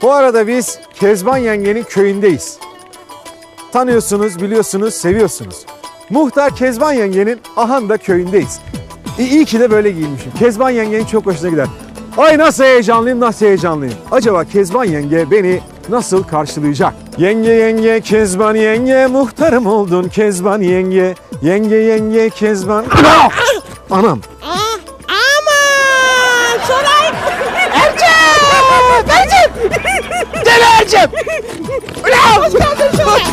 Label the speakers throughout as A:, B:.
A: Bu arada biz Kezban yengenin köyündeyiz. Tanıyorsunuz, biliyorsunuz, seviyorsunuz. Muhtar Kezban yengenin Ahanda köyündeyiz. İyi ki de böyle giyinmişim. Kezban yengenin çok hoşuna gider. Ay nasıl heyecanlıyım, nasıl heyecanlıyım. Acaba Kezban yenge beni nasıl karşılayacak? Yenge yenge Kezban yenge, muhtarım oldun Kezban yenge. Yenge yenge Kezban... Anam.
B: Aman Şoray! Ercep! Ercep! Deli Ercep! Ulan! Hoş geldin Şoray!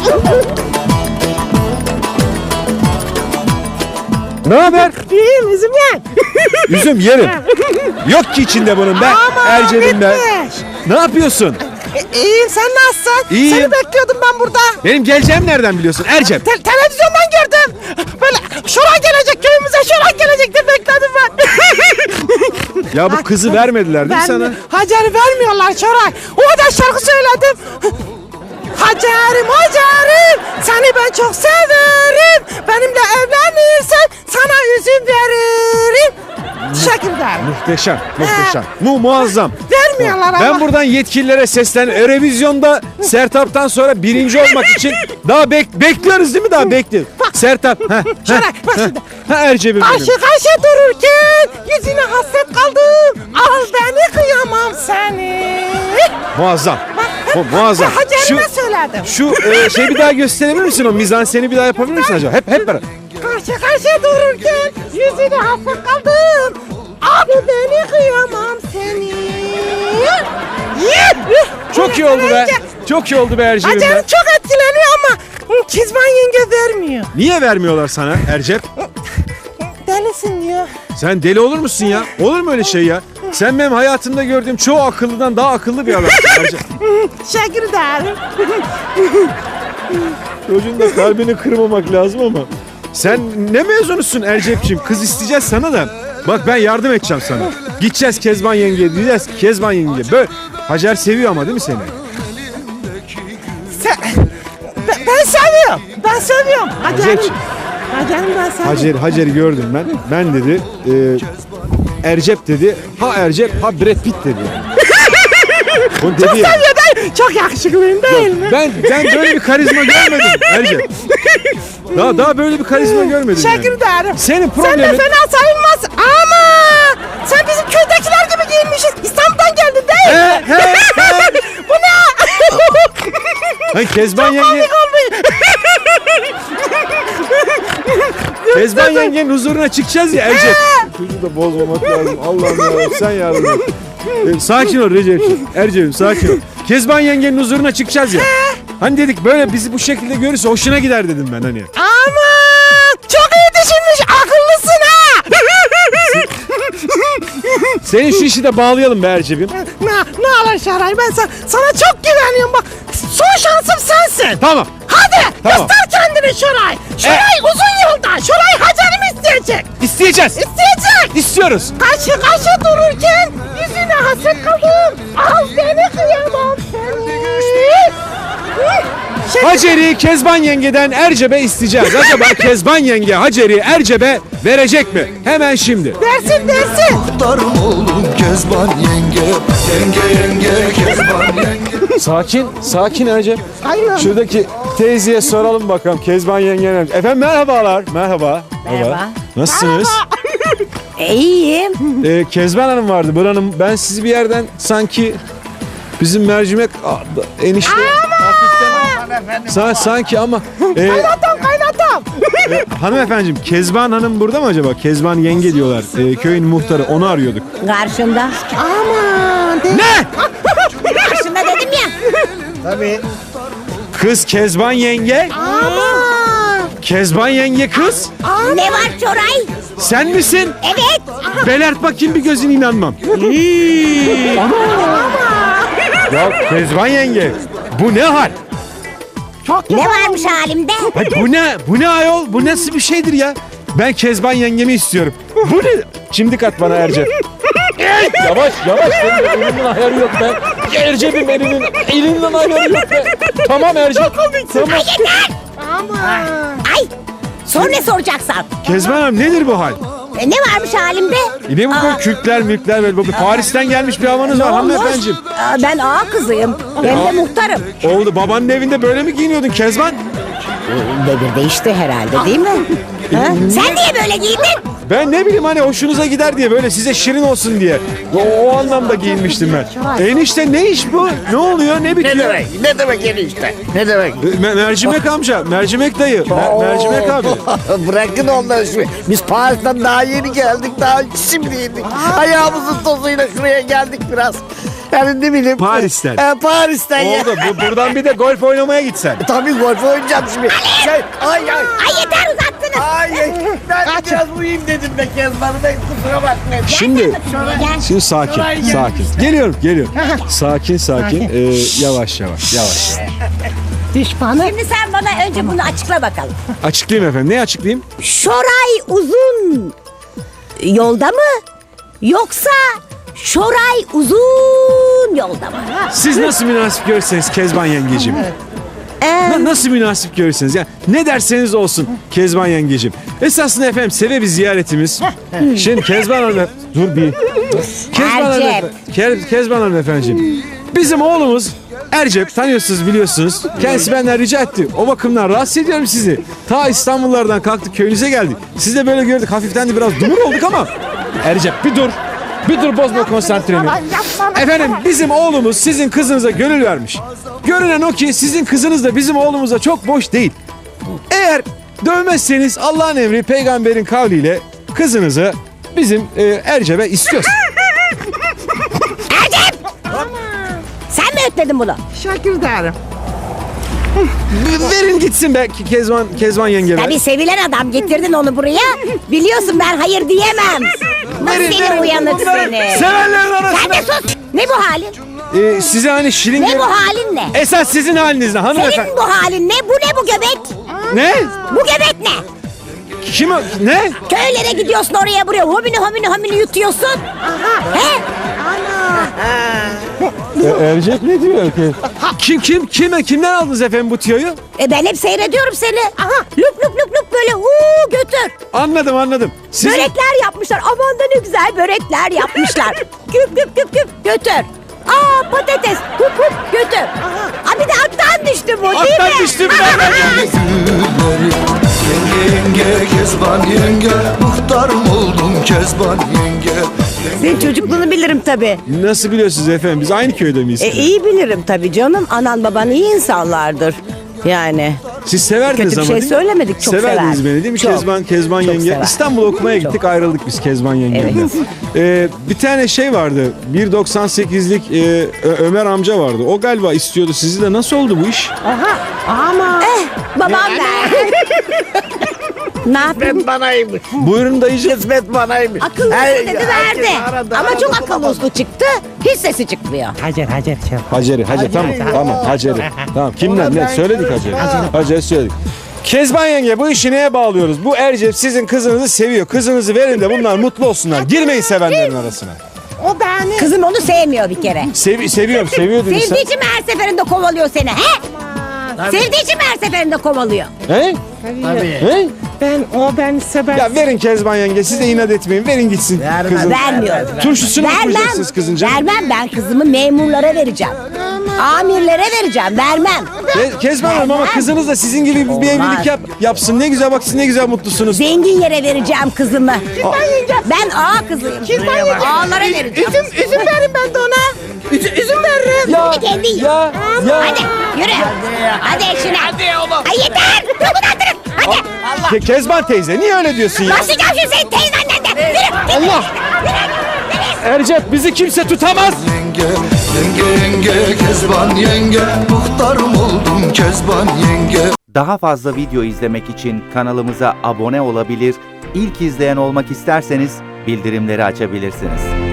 A: Ne haber?
B: İyiyim üzüm yen.
A: Üzüm yerim. Yok ki içinde bunun ben. Ercep'im ben. Ne yapıyorsun?
B: İyiyim sen nasılsın?
A: İyiyim.
B: Seni bekliyordum ben burada.
A: Benim geleceğimi nereden biliyorsun Ercep?
B: Televizyondan gördüm. Böyle Şoray gelecek köyümüze, Şoray gelecek diye bekledim ben.
A: Ya bu kızı vermediler değil mi sana?
B: Hacer'i vermiyorlar Şoray. O da şarkı söyledim. Hacer'im Hacer'im seni ben çok severim. Benimle evlenirsen sana üzüm veririm. Teşekkür ederim.
A: Muhteşem, muhteşem. Muazzam.
B: Vermiyorlar ama.
A: Ben buradan yetkililere sesleniyorum. Eurovizyonda Sertab'tan sonra birinci olmak için daha bekliyoruz değil mi? Daha bekliyoruz. Sertab.
B: Şoray bak şimdi.
A: Ercep'im benim.
B: Karşı karşıya dururken yüzüne hasret kaldım. Al beni kıyamam seni.
A: Muazzam. Muazzam.
B: Hacer'ime söyledim.
A: Şu şey bir daha gösterebilir misin? O mizanseni bir daha yapabilir misin acaba? Hep beraber.
B: Karşı karşıya dururken yüzüne hasret kaldım. Abi beni kıyamam seni.
A: Çok iyi oldu be. Çok iyi oldu be Ercep'im
B: Hacer
A: be.
B: çok etkileniyor ama Kezban yenge vermiyor.
A: Niye vermiyorlar sana Ercep?
B: Delisin diyor.
A: Sen deli olur musun ya? Olur mu öyle şey ya? Sen benim hayatımda gördüğüm çoğu akıllıdan daha akıllı bir adamsın Ercep.
B: Teşekkür ederim.
A: Çocuğun da kalbini kırmamak lazım ama. Sen ne mezunusun Ercep'ciğim? Kız isteyeceğiz sana da. Bak ben yardım edeceğim sana. Gideceğiz Kezban yengeye diyeceğiz ki Kezban yenge. Böyle Hacer seviyor ama değil mi seni?
B: Ben seviyorum. Ben seviyorum.
A: Hacer'ciğim.
B: Hacer'im ben seviyorum.
A: Hacer'i gördüm ben. Ben dedi. Ercep dedi. Ha Ercep ha Brad Pitt dedi. Bunu dedi
B: Çok
A: ya.
B: seviyor değil. Çok yakışıklıyım değil mi?
A: Ben böyle bir karizma görmedim Ercep. Daha böyle bir karizma görmedim
B: Teşekkür
A: yani.
B: ederim.
A: Senin
B: Sen de
A: problemin...
B: fena sayılmaz ama sen bizim köydekiler gibi giyinmişsin. İstanbul'dan geldin değil mi? Bu ne?
A: Hani Kezban yenge...
B: Komik olmuş.
A: Kezban yengenin huzuruna çıkacağız ya Ercep. Çocuğu da bozmamak lazım. Allah'ım ya sen yardım et. Sakin ol Recep'ciğim. Ercep'im sakin ol. Kezban yengenin huzuruna çıkacağız ya. Hani dedik böyle bizi bu şekilde görürse hoşuna gider dedim ben hani.
B: Aman çok iyi düşünmüş. Akıllısın ha.
A: Senin şu işi de bağlayalım be Ercep'im.
B: Ne olur Şaray ben sana çok güveniyorum bak. Son şansım sensin.
A: Tamam.
B: Hadi
A: Tamam.
B: göster kendini Şoray. Şoray uzun yolda. Şoray Hacer'imi isteyecek.
A: İsteyeceğiz.
B: İsteyecek.
A: İstiyoruz.
B: Karşı karşı dururken yüzüne hasret kaldım. Al beni kıyamam seni.
A: Hacer'i Kezban yengeden Ercep'e isteyeceğiz. Acaba Kezban yenge Hacer'i Ercep'e verecek mi? Hemen şimdi.
B: Dersin.
C: Muhtarım oğlum Kezban yenge. Yenge Kezban yenge.
A: Sakin Ercep.
B: Aynen.
A: Şuradaki teyzeye soralım bakalım Kezban yengen. Efendim merhabalar. Merhaba. Nasılsınız?
D: İyiyim.
A: Kezban Hanım vardı. Buranın ben sizi bir yerden sanki bizim mercimek enişte sanki ama
B: Kaynatam.
A: hanımefendiciğim Kezban Hanım burada mı acaba? Kezban yenge diyorlar. Köyün muhtarı onu arıyorduk.
D: Karşımda.
B: Aman.
A: Ne?
D: Karşımda dedim ya.
A: Kız Kezban yenge?
B: Aman.
A: Kezban yenge kız?
D: Ne var Çoray?
A: Sen misin?
D: Evet.
A: Belert bakayım bir gözüne inanmam. Ya Kezban yenge bu ne hal?
D: Ne varmış halimde?
A: Ay bu ne ayol? Bu nasıl bir şeydir ya? Ben Kezban yengemi istiyorum. Bu ne? Çimdik at bana Ercep. Yavaş. Benim elimin ayarı yok be. Ercep'im elinden ayarı yok be. Tamam Ercep. Tamam.
D: Yeter.
B: Aman.
D: Ay. Sor ne soracaksan.
A: Kezban Hanım nedir bu hal?
D: Ne varmış halimde?
A: Ne bu böyle kürkler mülkler böyle Paris'ten gelmiş bir havanız var hanımefendiciğim.
D: Ben ağa kızıyım. Hem de muhtarım.
A: Oldu babanın evinde böyle mi giyiniyordun Kezban?
D: Devir değişti herhalde değil mi? Ha? Sen niye böyle giydin?
A: Ben ne bileyim hani hoşunuza gider diye böyle size şirin olsun diye. O anlamda giyinmiştim ben. Enişte ne iş bu? Ne oluyor? Ne bitiyor?
E: Ne demek enişte? Ne demek?
A: Mercimek amca, mercimek dayı, mercimek abi.
E: Bırakın onları şimdi. Biz Paris'ten daha yeni geldik. Daha şimdi yedik. Ayağımızın tozuyla şuraya geldik biraz. Yani ne bileyim.
A: Paris'ten.
E: Paris'ten ya.
A: Oldu. Buradan bir de golf oynamaya gitsen.
E: Tabii golf oynayacağım şimdi. Ay.
D: Ay yeter uzattınız.
E: Ay. Ben biraz uyuyayım dedim be Kezban'ı. Ben kusura bakmayın.
A: Şimdi
D: Gel.
A: Şimdi sakin. Geliyorum. Sakin. Yavaş.
B: Düşmanı.
D: Şimdi sen bana önce bunu açıkla bakalım.
A: Açıklayayım efendim. Ne açıklayayım?
D: Şoray uzun yolda mı? Yoksa Şoray uzun yolda mı?
A: Siz nasıl münasip görürseniz Kezban yengeciğim. Nasıl münasip görürseniz. Yani ne derseniz olsun Kezban yengeciğim. Esasında efendim sebebi ziyaretimiz. Şimdi Kezban Hanım... Dur bir. Kezban Hanım efendiciğim. Bizim oğlumuz Ercep tanıyorsunuz biliyorsunuz. Kendisi benden rica etti. O bakımdan rahatsız ediyorum sizi. Ta İstanbullardan kalktık köyünüze geldik. Siz de böyle gördük. Hafiften de biraz dumur olduk ama. Ercep bir dur. Bir dur bozma konsantremi. Efendim bizim oğlumuz sizin kızınıza gönül vermiş. Görünen o ki sizin kızınız da bizim oğlumuzla çok boş değil. Eğer dövmezseniz Allah'ın emri peygamberin kavliyle kızınızı bizim Ercep'e istiyoruz.
D: Sen mi ötledin bunu?
B: Şakir derim.
A: Verin gitsin be Kezban yenge be.
D: Tabii sevilen adam getirdin onu buraya. Biliyorsun ben hayır diyemem. Nasıl seni uyanık seni?
A: Sevenlerin arasına.
D: Sen de sus. Ne bu halin?
A: Size hani şirin...
D: Ne bu halin ne?
A: Esas sizin haliniz ne hanımefendi?
D: Senin bu halin ne? Bu ne bu göbek?
A: Ne?
D: Bu göbek ne?
A: Kim o? Ne?
D: Köylere gidiyorsun oraya buraya homini yutuyorsun. He?
A: Ercep ne diyor ki? Kimden aldınız efendim bu tüyoyu?
D: Ben hep seyrediyorum seni. Aha lup böyle götür.
A: Anladım. Siz...
D: Börekler yapmışlar. Aman da ne güzel börekler yapmışlar. küp götür. Patates hup götür. Bir de attan düştü bu değil mi?
A: Attan düştüm ben.
C: Yenge Kezban yenge Muhtarım oldum Kezban yenge.
F: Senin çocukluğunu bilirim tabii.
A: Nasıl biliyorsunuz efendim? Biz aynı köyde miyiz?
F: İyi bilirim tabii canım. Anan baban iyi insanlardır. Yani.
A: Siz severdiniz
F: Kötü bir
A: ama
F: şey
A: değil mi?
F: söylemedik, çok
A: Severdiniz
F: severdim.
A: beni değil mi?
F: Çok.
A: Kezban
F: Çok
A: yenge.
F: sever.
A: İstanbul'a okumaya gittik ayrıldık biz Kezban yengemle. Bir tane şey vardı. 1.98'lik Ömer amca vardı. O galiba istiyordu sizi de. Nasıl oldu bu iş?
B: Ama.
D: Babam ben. Ne yapayım?
E: Kısmet banaymış.
A: Buyurun dayıcığım.
E: Kısmet banaymış.
D: Akıllı
E: Her-
D: dedi
E: herkes
D: verdi.
E: aradı,
D: Ama
E: aradı,
D: çok
E: bulamadı.
D: akıllı uslu çıktı. Hiç sesi çıkmıyor.
B: Hacer.
A: Hacer'i tamam Hacer'i. Tamam kimden ne söyledik Hacer'i söyledik. Kezban yenge bu işi neye bağlıyoruz? Bu Ercep sizin kızınızı seviyor. Kızınızı verin de bunlar mutlu olsunlar. Girmeyin sevenlerin arasına.
B: O beni.
D: Kızım onu sevmiyor bir kere.
A: Seviyor dedin sen.
D: Sevdiği için mi her seferinde kovalıyor seni? He? Sevdiği için mi her seferinde kovalıyor?
A: He? He?
B: O beni sever.
A: Ya verin Kezban yenge siz de inat etmeyin. Verin gitsin kızın.
D: Vermiyorum.
A: Turşusunu mu
D: Vermem.
A: kuracaksınız kızınca?
D: Vermem ben kızımı memurlara vereceğim. Amirlere vereceğim. Vermem.
A: Kezban Hanım ama kızınız da sizin gibi bir evlilik yapsın. Ne güzel bak siz ne güzel mutlusunuz.
D: Zengin yere vereceğim kızımı. Ben ağa kızıyım. Ağalara vereceğim.
B: Üzüm verin ben de ona. Üzüm veririm.
A: Ya,
D: Kendi yiyin.
A: ya.
D: Hadi yürü. Hadi eşine. Hadi oğlum. Ay yeter. Çok uzattırın. Hadi.
A: Kezban teyze niye öyle diyorsun ya?
D: Başlayacağım şimdi senin teyzenden de. Yürü.
A: Allah! Ercep bizi kimse tutamaz.
C: Yenge Kezban yenge Muhtarım oldum Kezban yenge.
G: Daha fazla video izlemek için kanalımıza abone olabilir, ilk izleyen olmak isterseniz bildirimleri açabilirsiniz.